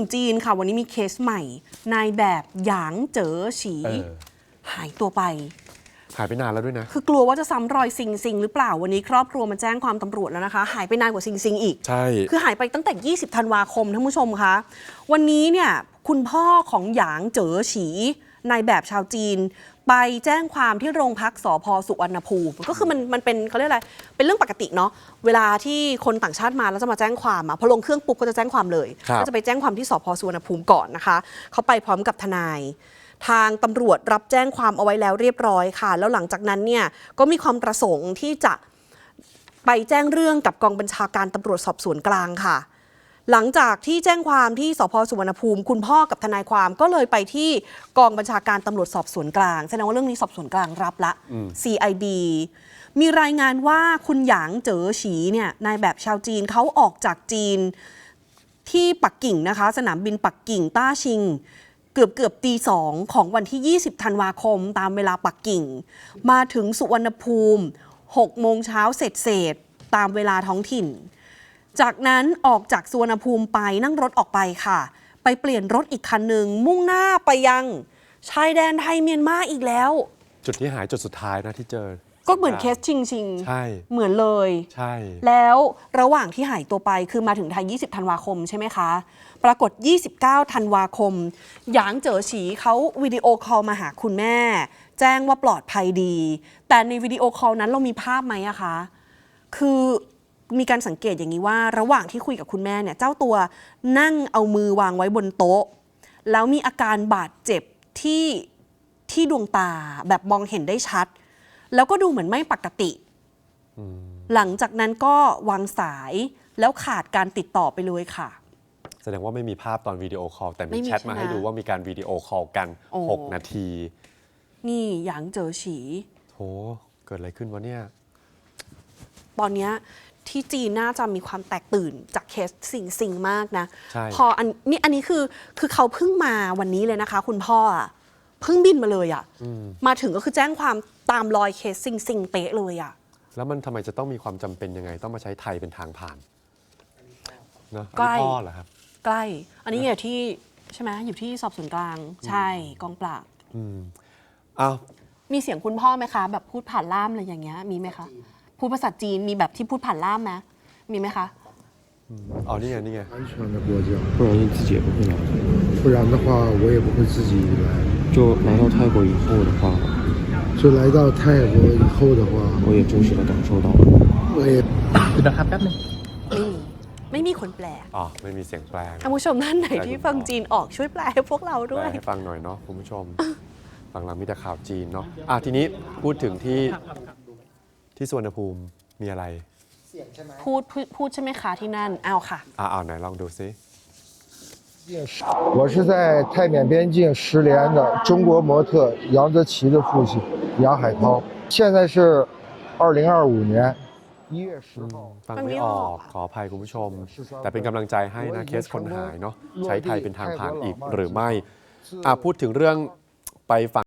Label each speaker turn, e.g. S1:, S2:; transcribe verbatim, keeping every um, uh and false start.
S1: งจีนค่ะวันนี้มีเคสใหม่นายแบบหยางเจ๋อฉีหายตัวไป
S2: หายไปนานแล้วด้วยนะ
S1: คือกลัวว่าจะซ้ำรอยซิงซิงหรือเปล่าวันนี้ครอบครัวมาแจ้งความตำรวจแล้วนะคะหายไปนานกว่าซิงซิงอีก
S2: ใช่
S1: คือหายไปตั้งแต่ยี่สิบธันวาคมท่านผู้ชมคะวันนี้เนี่ยคุณพ่อของหยางเจ๋อฉีนายแบบชาวจีนไปแจ้งความที่โรงพักสภ.สุวรรณภูมิก็คือมันมันเป็นเขาเรียกอะไรเป็นเรื่องปกติเนาะเวลาที่คนต่างชาติมาแล้วจะมาแจ้งความอ่ะพอลงเครื่องปุ๊บก็จะแจ้งความเลยก็จะไปแจ้งความที่สภ.สุวรรณภูมิก่อนนะคะเขาไปพร้อมกับทนายทางตำรวจรับแจ้งความเอาไว้แล้วเรียบร้อยค่ะแล้วหลังจากนั้นเนี่ยก็มีความประสงค์ที่จะไปแจ้งเรื่องกับกองบัญชาการตำรวจสอบสวนกลางค่ะหลังจากที่แจ้งความที่สภ.สุวรรณภูมิคุณพ่อกับทนายความก็เลยไปที่กองบัญชาการตำรวจสอบสวนกลางแสดงว่าเรื่องนี้สอบสวนกลางรับละ ซี ไอ ดี มีรายงานว่าคุณหยางเจ๋อฉีเนี่ยนายแบบชาวจีนเขาออกจากจีนที่ปักกิ่งนะคะสนามบินปักกิ่งต้าชิงเกือบเกือบตีสองของวันที่ยี่สิบธันวาคมตามเวลาปักกิ่งมาถึงสุวรรณภูมิหกโมงเช้าเสร็จเสร็จตามเวลาท้องถิ่นจากนั้นออกจากสุวรรณภูมิไปนั่งรถออกไปค่ะไปเปลี่ยนรถอีกคันหนึ่งมุ่งหน้าไปยังชายแดนไทยเมียนมาอีกแล้ว
S2: จุดที่หายจุดสุดท้ายนะที่เจอ
S1: ก็เหมือนเคสชิงชิง
S2: ใช่
S1: เหมือนเลย
S2: ใช่
S1: แล้วระหว่างที่หายตัวไปคือมาถึงไทยยี่สิบธันวาคมใช่ไหมคะปรากฏยี่สิบเก้าธันวาคมหยางเจ๋อฉีเขาวิดีโอคอลมาหาคุณแม่แจ้งว่าปลอดภัยดีแต่ในวิดีโอคอลนั้นเรามีภาพไหมอะคะคือมีการสังเกตอย่างนี้ว่าระหว่างที่คุยกับคุณแม่เนี่ยเจ้าตัวนั่งเอามือวางไว้บนโต๊ะแล้วมีอาการบาดเจ็บที่ที่ดวงตาแบบมองเห็นได้ชัดแล้วก็ดูเหมือนไม่ปกติหลังจากนั้นก็วางสายแล้วขาดการติดต่อไปเลยค่ะ
S2: แสดงว่าไม่มีภาพตอนวิดีโอคอลแต่มีแชทมาให้ดูว่ามีการวิดีโอคอลกันหกนาที
S1: นี่หยางเจ๋อฉี
S2: โหเกิดอะไรขึ้นวะเนี่ย
S1: ตอนนี้ที่จีนน่าจะมีความแตกตื่นจากเคสสิ่งสิ่งมากนะพออันนี้อันนี้คือคือเขาเพิ่งมาวันนี้เลยนะคะคุณพ่อเพิ่งบินมาเลยอ่ะมาถึงก็คือแจ้งความตามรอยเคสสิ่งสิ่งเป๊ะเลยอ่ะ
S2: แล้วมันทำไมจะต้องมีความจำเป็นยังไงต้องมาใช้ไทยเป็นทางผ่านเนาะ
S1: ใกล้
S2: พ่อเหรอครับ
S1: ใกล้อันนี้อยู่ที่ใช่ไหมอยู่ที่สอบสวนกลางใช่กองปราบ
S2: อืมอ้าว
S1: มีเสียงคุณพ่อไหมคะแบบพูดผ่านล่ามอะไรอย่างเงี้ยมีไหมคะพูดภาษาจีนมีแบบที่พูดผ่านล่ามไหมมีไหมคะ
S2: อ๋อนี่ไงนี่ไง
S3: 安全的国家不容易自己也不会来不然的话我也不会自己来
S4: 就来到泰国以后的话
S3: 就来到泰国以后的话
S4: 我也真实的感受到了
S3: 我也
S4: นะครับแป๊บนึง
S1: ไม่มีไม่มีคนแปล
S2: อ๋อไม่มีเสียงแปล
S1: ท่านผู้ชมท่านไหนที่ฟังจีนออกช่วยแปลให้พวกเราด้วย
S2: แปลให้ฟังหน่อยเนาะคุณผู้ชมฟังหลังมีแต่ข่าวจีนเนาะอ่ะทีนี้พูดถึงที่ที่สุวรรณภูมิมีอะไร
S1: พูดพูดใช่ไหมคะที่นั่นเอาค่ะ
S2: อ่าเอาไหนลองดูซิ
S3: 我是在泰缅边境石连的中国模特杨泽奇的父亲杨海涛现在是二零二五年一月十号
S2: ฟังไม่ออกขออภัยคุณผู้ชมแต่เป็นกำลังใจให้นะเคสคนหายเนาะใช้ไทยเป็นทางผ่านอีกหรือไม่อ่ะพูดถึงเรื่องไปฝั่ง